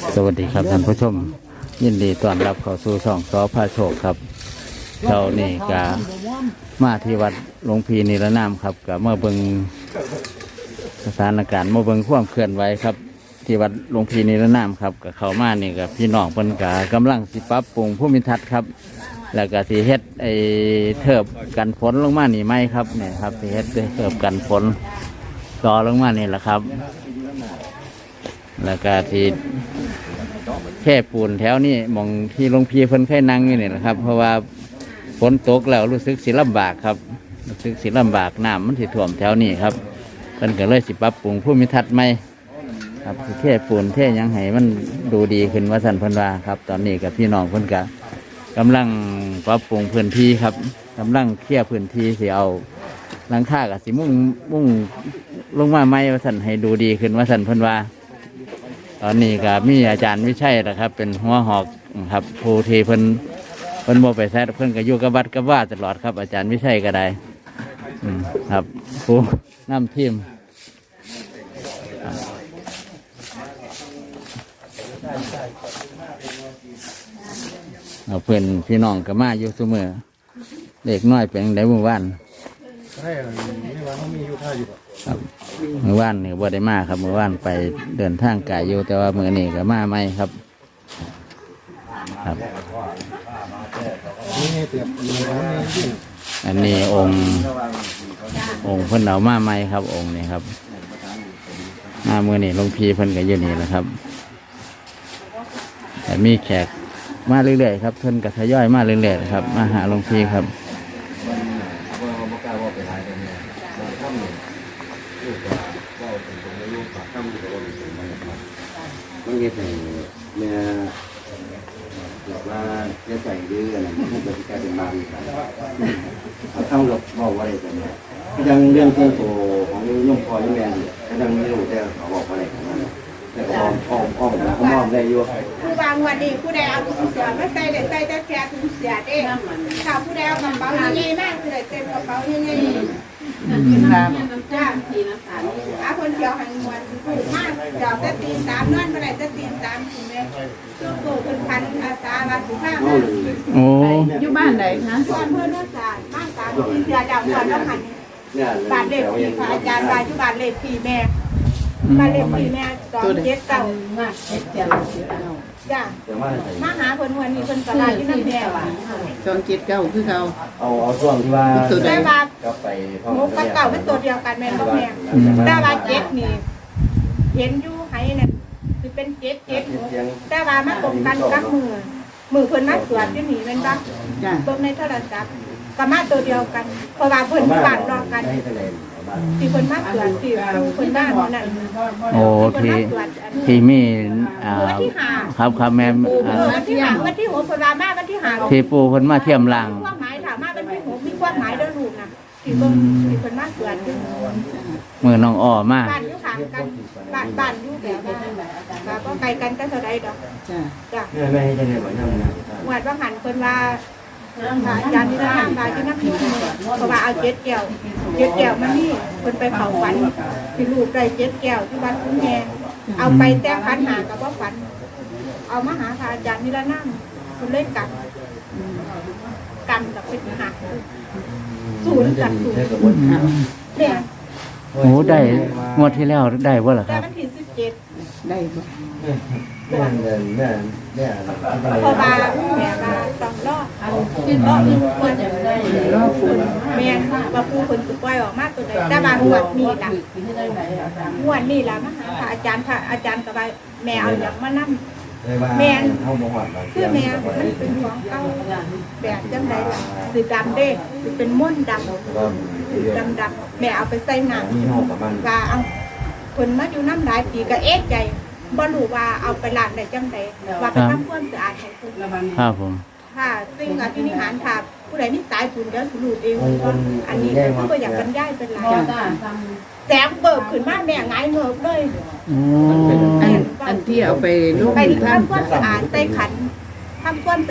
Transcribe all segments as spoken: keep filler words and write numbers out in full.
สวัสดีครับท่านผู้ชมยินดีต้อนรับเข้าสู่ช่องสอพาโชคครับเช้านี่กะมาที่วัดหลวงพีนิรนามครับกะเมื่อเบิงสถานการณ์เมื่อเบิงความเคลื่อนไหวครับที่วัดหลวงพีนิรนามครับกะเข้ามานี่กับพี่น้องเพิ่นกะกำลังสิปรับปรุงภูมิทัศน์ครับแล้วก็สิเฮ็ดไอ้เทิบกันฝนลงมานี่ไหมครับเนี่ยครับสิเฮ็ดเทิบกันฝนต่อลงมานี่แหละครับแล้วก็ที่แค่ปูนแถวนี้มองที่หลวงพี่เพิ่นเคยนั่งอยู่นี่นะครับเพราะว่าฝนตกแล้วรู้สึกสิลำบากครับรู้สึกสิลำบากน้ำมันสิท่วมแถวนี้ครับเพิ่นก็เลยสิปรับปรุงภูมิทัศน์ใหม่ครับแค่ปูนแค่ยังให้มันดูดีขึ้นว่าสันเพิ่นว่าครับตอนนี้กับพี่น้องเพิ่นก็กำลังปรับปรุงพื้นที่ครับกำลังเคลียร์พื้นที่สิเอาหลังคากับสิมุ่งมุ่งลงมาใหม่ว่าสันให้ดูดีขึ้นว่าสันเพิ่นว่าตอนนี้ก็มีอาจารย์วิชัยนะครับเป็นหัวหอกครับผู้ที่เพิ่นเพิ่นโมไปแซดเพิ่นก็อยู่กับวัดกับว่าตลอดครับอาจารย์วิชัยก็ได้ครับผู้นำทีมเอาเพื่อนพี่น้องก็มาอยู่เสมอเด็กน้อยเป็นได้เมื่อวานครับเมื่อวานนี่บ่ได้มาครับเมื่อวานไปเดินทางไกลอยู่แต่ว่าเมื่อนี้ก็มาไม่ครับครับอันนี้องค์องค์เพิ่นเอามาไม่ครับองค์นี้ครับมาเมื่อนี้หลวงพี่เพิ่นก็อยู่นี่แหละครับแต่มีแขกมาเรื่อยๆครับเพิ่นก็ทยอยมาเรื่อยๆครับมาหาหลวงพี่ครับมันเงี้ยใส่เนี่ยแบบว่าจะใส่ดื้ออะไรมันจะกลายเป็นบางอย่างเขาต้องหลบบอกว่าอะไรกันเนี่ยยังเรื่องเครื่องโตของย่อมพอย่อมแรงเนี่ยยังไม่รู้แต่เขาบอกว่าอะไรกันนะแต่อ้อมอ้อมอ้อมเขามอมได้อยู่ผู้บางวันนี้ผู้ใดเอาถุงเสียมาใส่ได้ใส่แต่แค่ถุงเสียเองถ้าผู้ใดเอากระเป๋าใหญ่ๆมากคือได้เต็มกระเป๋าใหญ่ๆจ้าทีน้ำตาลอาคนเดียวหันมวนถูกมากเดี๋ยวจะตีสามนอนเมื่อไรจะตีสามถึงแม่ช่วงโตเป็นพันอาตาบาสุภาพโอ้อยู่บ้านไหนคะก่อนเพื่อนนักศาสตร์บ้านสามตีเสียดาวก่อนแล้วหันบาทเล็กพี่ค่ะอาจารย์บาทที่บาทเล็กพี่แม่บาทเล็กพี่แม่ตอนเจ็ดเก่ามากเจ็ดเก่าจ้ามาหาคนวันนี้คนตลาดที่นั่นแน่ว่ะสองเจ็ดเก้าคือเขาเอาเอาช่วงที่ว่าได้บาทก็ไปมุกกับเก่าเป็นตัวเดียวกันแม่ก็แม่ได้บาทเจ็ดนี่เห็นอยู่ให้เนี่ยคือเป็นเจ็ดเจ็ดได้บาทมาตรงกันกับมือมือเพิ่นมาสวดที่หนีเป็นบ้าเบิ่งในโทรศัพท์ก็มาตัวเดียวกันเพราะว่าเพิ่นบ้านรอกันที่คนมาตรวจที่คนบ้านนั่นโอ้ที่ที่มีอ่าครับครับแม่วันที่หาวันที่หกคนมามาวันที่หาที่ปูเพิ่นมาเทียมล่างความหมายถามมาวันที่หกมีความหมายเด้อลูกนะที่เบิ่งที่คนมาตรวจมือน้องอ้อมาบ้านอยู่ข้างกันบ้านบ้านอยู่แบบก็ไกลกันก็เท่าใดดอกจ้ะจ้ะไม่ให้ได้บ่ยังนะหวดว่าหันคนว่าอาจารย์ที่นั่งมาที่นั่งอยู่เพราะว่าเอาเจ็ดแก้วเจ็ดแก้วมันนี่คนไปเผาฝันที่ลูกได้เจ็ดแก้วที่วัดคุ้งแงเอาไปแต่ฝันหากับว่าฝันเอามาหาพระอาจารย์นี่ละนั่งคนเล่นกันกันกับเป็นหักศูนย์กับศูนย์เนี่ยโอ้ได้งวดที่แล้วได้ว่าหรอครับได้วันที่สิบเจ็ดได้บ่แม่แม่แม่แม่พอมาแม่มาต้องรอคิดรอดควรจะได้รอคุณแม่ว่าผู้คนสุดปล่อยออกมากตัวใดแต่บางงวดนี่ล่ะงวดนี่ล่ะมาหาพระอาจารย์พระอาจารย์กับแม่เอาอย่างมานั่งแม่คือแม่มันเป็นของเก่าแบบจังไรล่ะสีดำเด้สีเป็นม่นดำสีดำดำแม่เอาไปใส่หนังว่าเอาคนมาอยู่น้ำหลายปีก็เอ๊ะใจบ่รู้ว่าเอาไปล้างได้จังไดว่าไปทำความสะอาดให้คนครับผมค่ะซึ่งอภินิหารค่ะผู้ใดนี่ตายคุณเดี๋ยวสรุปเองว่าอันนี้คือก็อยากบรรยายเป็นไรแสงเบิกขึ้นมาแม่ไงเงิบเลยอันอันที่เอาไปลูกไปทำความสะอาดใส่ขันทำความสะอาด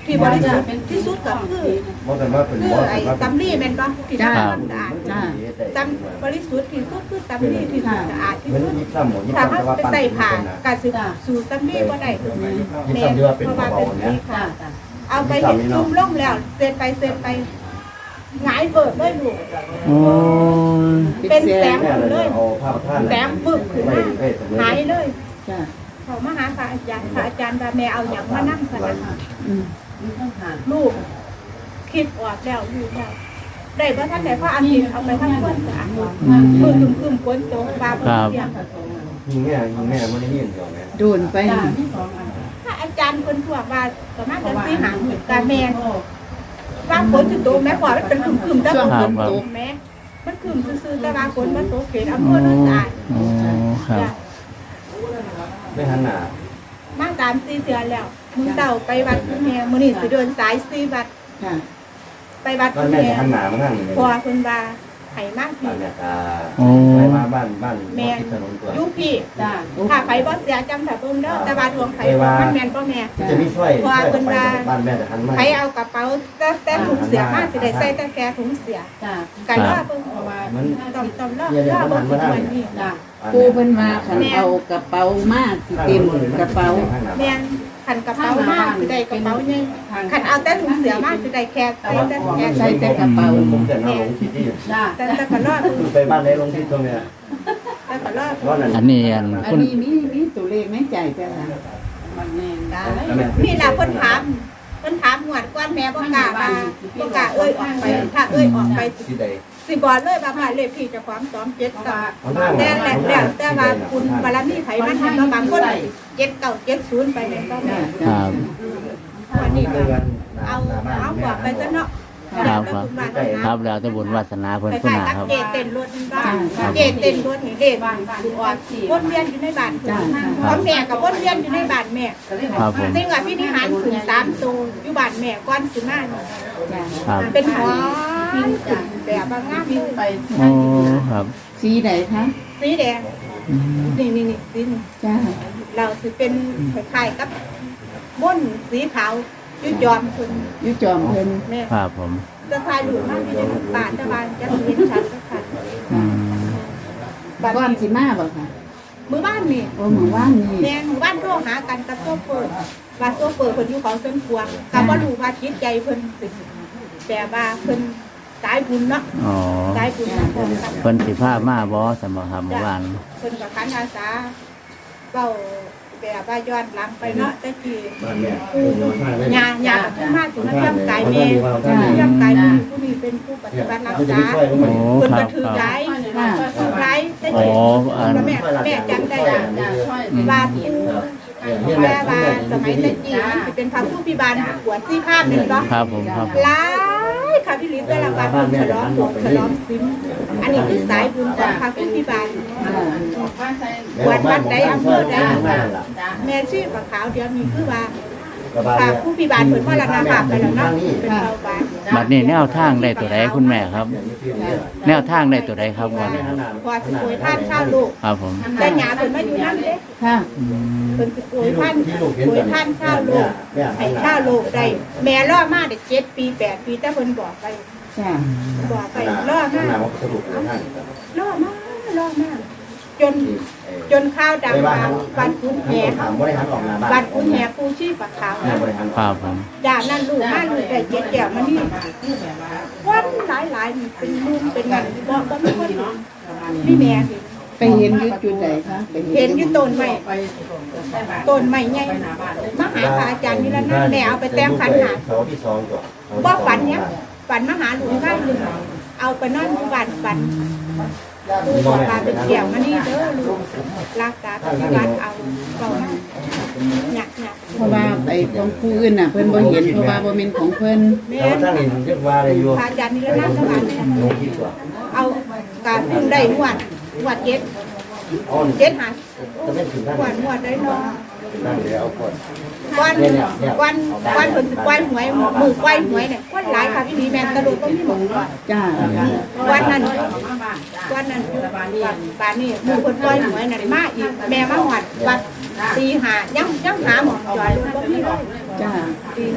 ที่บริสุทธิ์ที่สุดก็คือบ่กันว่าเป็นคือบ่ไอ้ว่าตำลีแม่นบ่ที่ทำความสะอาดจ้าตำบริสุทธิ์ที่สุดคือตำลีที่สุดสะอาดที่มันสุดยิบซ้ำหมดยิบถ้าซ้ำเขาแต่ว่าไปปั้นใส่ผ้าเป็นนะกาสิสู่ตำลีบ่ได้ยิบซ้ำที่ว่าเป็นเพราะว่าเบาเป็นๆเนี่ยสีขาวเอาไปเห็นจุ่มลงแล้วเสร็จไปเสร็จไปหงายเบิดเลยลูกโอ้ยเป็นแสงแม่หมดเลเลย ยเอาผ้าท่านแสงบึ้บขึ้นมาหายเลยจ้าเขามาหาพระอาจารย์พระอาจารย์ว่าแม่เอาอย่างมานั่งขนาดอืมลูกคิดออกแล้วลูกแล้วได้เพราะท่านไหนเพราะอันนี้เอาไปทั้งคนสะอาดมือคึมคึมๆฝนตกบาบเสียงยิงแม่ยิงแม่มันได้ยินเดียวแม่โดนไปพระอาจารย์คนทั่วว่าประมาณกันสี่หางกาแมนว่าฝนจะตกแม่พอมันเป็นคึมคึมๆแต่ฝนตกแม่มันคึมซื่อๆแต่ว่าฝนมันตกเขตอำเภอโนนสะอาดโอ้ครับจ้ะไม่หันหน้ามาสามสี่เดือนแล้วมึงเต่าไปวัดคุณแม่มื้อนี้สิเดินสายสี่วัดค่ะไปวัดบ้าคุนณแม่แม่จะหันหน้ามาทางนี้พอเพิ่นว่าให้มากบ้าพี่นแม่ตาโอ้ไปมาบ้านบ้านแม่ทิศถนนตัวยุพี่ถ้าไผบ่เสียจำถ้าเบิ่งเด้อแต่ว่าดวงไผมันแม่นบ่แม่จะมีช่วยช่วยไปบ้านแม่จะหันมาไผเอากระเป๋าแต่แต่ถุงเสียมาสิได้ใส่แต่แค่ถุงเสียกันรอเบิ่งมันต้องต้องรอเนี่ยรอมันเบิ่หังนมาทางวันนี้นี้ปูเพิ่นมาคันเอากระเป๋ามาสิเต็มกระเป๋าแม่นคันกระเป๋ามาสิได้กระเป๋าใหญ่คันเอาแต่ถุงเสียมาสิได้แค่ใส่แต่แค่ใส่ใส่แต่กระเป๋าผมจะนั่งลงที่ที่แต่แต่ก็รอเบิ่งไปบ้านไหนลงที่ตรงเนี้ยแต่ก็รอเพราะนั่นอันนี้อันอันคุณนี้มีมีตัวเลขในใจจ้ะล่ะนี่ล่ะเพิ่นถามเพิ่นถามหวดก่อนแม่บ่กล้าว่าบ่กล้าเอ้ยออกไปถ้าเอ้ยออกไปที่ใดสิบอกเลยว่าบ้านเลขที่เจ้าของสองเจ็ดเก้าเอาหน้าแต่แหละแล้วแต่ว่าคุณบารมีไผมันเห็นว่าบางคนเจ็ดเก้าเจ็ดศูนย์ไปเลยก็จ้าแม่ครับวันนี้ก็เอาเอาบอกไปซะเนาะครับแล้วครับคุณบ้านคนะรับแล้วแต่บุญวาสนาเพิ่นไปผู้ขายหนากับครับเจเต้นรถบ้านเจเต้นรถนี่เด็กดูออกวนเวียนอยู่ในบ้านเพราะแม่กับวนเวียนอยู่ในบ้านแม่ครับผมซึ่งว่าพี่นิหารขึ้นสามตัวอยู่บ้านแม่ก้อนสิมาเนี่ยจ้าครับเป็นหอขึ้นแบบบางงามเลยโอ้ครับสีใดคะสีแดงอืมนี่นี่นี่สีนี่จ้าเราสิเป็นคล้ายๆกับม่นสีขาวยุยอมคุณอยู่จอมเพิ่นแม่ครับผมจะทายหลุดมากที่ในป่าตะวันจะเห็นชัดสักคันอืมบ้านก่อนนี้สิมาบ่ค่ะมือบ้านนี่โอ้หมู่บ้านนี่แม่หมู่บ้านโทรหากันกับโซเฟอร์ว่าโซเฟอร์เพิ่นอยู่เขาเส้นพวงกับว่ารู้ว่าจิตใจเพิ่นสิแต่ว่าเพิ่นสายบุญเนาะอ๋อสายบุญนะพ่อครับเพิ่นสิพามาบ่สมบ่ครับเมื่อวานเพิ่นกับคันอาสาเว้าแบบว่าย้อนหลังไปเนาะแต่กี้บ้านแม่ผู้ญาญากับผู้มาถึงมาทำกายแม่ท่านทำกายผู้ผู้นี้เป็นผู้ปฏิบัติรักเขาจะษามีช่วยลงโอ้มาเพิ่นคก็รับถือครับร้ายถือร้ายแต่อ๋อกี้อันแม่แม่จำได้ว่าว่าผู้แม่ว่าสมัยแต่กี้มันสิเป็นพระผู้พิบาลปวดซี่ข้ามนี่เนาะครับผมครับผมหลายค่ะพี่ลิศแต่ละวันฉลองของฉลองซิมอันนี้คือสายบุญของพระผู้พิบาล วัดวัดใดอำเภอใดแม่ชื่อปะขาวเดียวมีคือว่าพระผู้พิบาลเพิ่นมรณภาพไปแล้วเนาะเป็นเบาบานบัดนี้แนวทางได้ตัวใดคุณแม่ครับ แนวทางได้ตัวใดครับวันนี้ครับพอสิป่วยท่านข้าวลูกครับผมแต่หยาเพิ่นมาอยู่นั่นเด้ค่ะอืมเพิ่นสิป่วยท่านป่วยท่านข้าวลูกให้ข้าวลูกได้แม่รอมาได้เจ็ดปีแปดปีแต่เพิ่นบอกไปจ้าบอกไปรอมาหน้ามันสรุปเลยท่านรอมารอมาจนจนข้าวดังมาวันคุ้นแหถามบริหารออกหน้าบ้านวันคุ้นแหปูชีปะขาวหน้าบริหารครับผมด่านั่นลูกมาลูกได้เจ็ดแก้วมานี่วันหลายหลายๆนี่เป็นมุมเป็นเงินบ่บ่มีคนนี่แม่เห็นไปเห็นอยู่จุดใดคะไปเห็นอยู่ต้นไม้ต้นไม้ใหญ่มาหาพระอาจารย์นี่แล้วนะแม่เอาไปแต้มขันหาเสาที่สองก่อนบ่ฝันเนี้ยฝันมาหาหลวงได้หนึ่งเอาไปนอนอยู่บ้านฝันลูกบอกว่าเป็นแก้วมานี่เด้อลูกรักษาปฏิบัติเอาเก่ามาหนักหนักเพราะว่าไอ้ของผู้อื่นน่ะเพิ่นบ่เห็นเพราะว่าบ่แม่นของเพิ่นแม่แล้วท่านเห็นเรียกว่าอะไรอยู่พระอาจารย์นี่แล้วนั่งสมาธิลงคิดว่าเอาการพึ่งได้นวดนวดเจ็ดอ้อนเจ็ดหาจะไม่ถึงท่านนวดนวดได้เนาะท่านเดี๋ยวเอาคนวันวันวันผลควายหวยมือควายหวยเนี่ยคนหลายค่ะพี่ดีแมนตะลุก็มีหมดก่อนจ้าวันนั้นวันนั้นบานนี้มือคนควายหวยนั่นมาอีกแม่มาหวัดวัดตีหายังยังหาหมอจอยก็มีเลยจ้าตีหา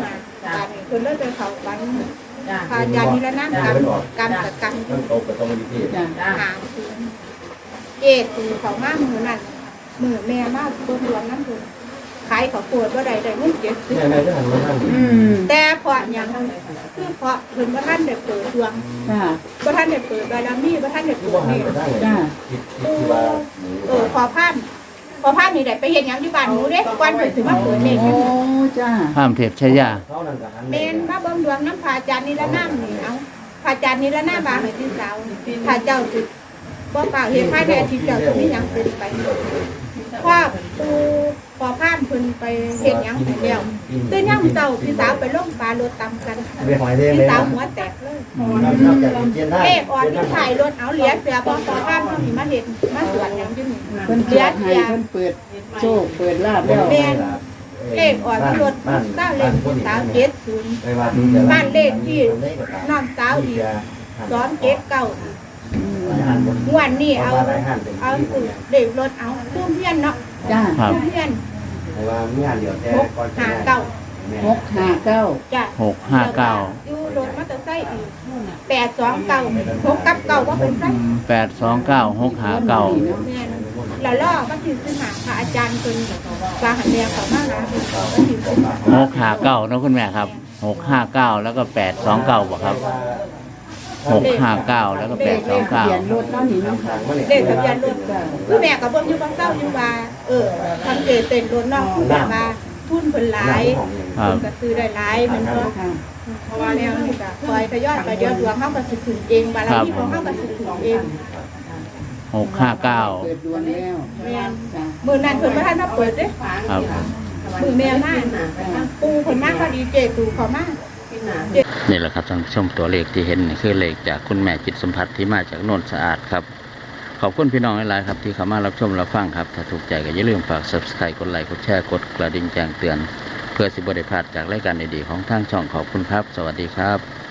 การนี่เพิ่นเลยไปเขาฝันพาญาณิรนามกรรมกรรมกับกรรมมันตกไปตรงนี้จ้ะหางคืนเจตูเขามามือนั่นมือแม่มาเบิ่งดวงนั้นเพิ่นขายเขาวโพดบ่ได้ได้เงินเจ็ดสิบเนี่ยนายจะหันมาทางอืมแต่เพราะหยังคือเพราะเพิ่นบ่ทันได้เปิดดวงจ้ะบ่ทันได้เปิดบารมีบ่ทันได้ที่เปิว่าดหันนี่ไปทางไหนจ้ะคิดที่ว่าเออขอพานขอพานนี่ได้ไปเฮ็ดหยังอยู่บ้านหนูเด้ก่อนเพิ่นสิมาเปิดนี่โอ้จ้ะข้ามเทพชยาเขานั่นกับหันแม่นมาเบิ่งดวงน้ำพระอาจารย์นิรนามนี่เอาพระอาจารย์นิรนามบาให้พี่สาวถ้าเจ้าสิบ่ฝากเฮ็ดภายในอาทิตย์เจ้าสิมีหยังเป็นไปเพราะปูขอพานเพิ่นไปเฮ็ดหยังให้แล้วตื่นยามเช้าพี่สาวไปลงปลารถตำกันไปหอยเด้งพี่เลยสาวนะหัวแตกเลยนอกจากเจียนได้เลขออนที่ถ่ายรถเอาเหลียเสือพอขอพานเฮาสิมาเฮ็ดมาสวนหยังอยู่นี่เพิ่นเหลีเปิยดให้เสือเพิ่นเปิดโชคเปิดลาบแล้วแม่นเลขออนที่รถเจ้าเลขพี่สาวเจ็ดศูนย์ บ้านเลขที่น้องสาวอีกสอนเก็บเก่าอีกงวันนี้เอาเอาสูตรเด็กรถเอาตู้เพี้ยนเนาะจ้ะครับตู้เพี้ยนว่ามีงานเดียวแต่หกก่อนหาเก่าหกห้าเก้าจ้ะหกห้าเก้าอยู่รถมอเตอร์ไซค์อีกแปดสองเก่าหกกับเก่าว่าเป็นไซแปดสองเก้าหกห้าเก้าแม่นแล้วล่อมาถึงขึ้นหาพระอาจารย์คนปลาหันแดงเขามาหาเป็นเขาก็ถึงหกห้าเก้านะคุณแม่ครับหกห้าเก้าแล้วก็แปดสองเก้าบ่ครับหกห้าเก้าแล้วก็แปดสองทะเก้าเบียนรถเนาะนี่เนาะเด็กทะเบียนรถคือแม่กับเบิ่งอยู่บางเศร้าอยู่ว่าเออทำเจเต็นรถน้องคือแบบว่าทุนเพิ่นหลายครับเพิ่นก็ซื้อได้หลายแมันก็ค่ะเพราะว่าแนวนี้ก็คอยทยอยไปเดี๋ยวดวงเฮาก็สิขึ้นเองบารมีของเฮาก็สิขึ้นเองหกห้าเก้าเปิดดวงแล้วแม่นจ้ะมื้อนั้นเพิ่นบ่ทันมาเปิดเด้ครับมื้อแม่มาปูเพิ่นมาก็ดีเจตูเขามานี่แหละครับท่านผู้ชมตัวเลขที่เห็นนี่คือเลขจากคุณแม่จิตสัมผัสที่มาจากโนนสะอาดครับ ขอบคุณพี่น้องหลายๆครับที่เข้ามารับชมรับฟังครับ ถ้าถูกใจก็อย่าลืมฝาก ซับสไครบ์ กดไลค์กดแชร์กดกระดิ่งแจ้งเตือน เพื่อสิบได้พลาดจากรายการดีๆของทางช่องขอบคุณครับ สวัสดีครับ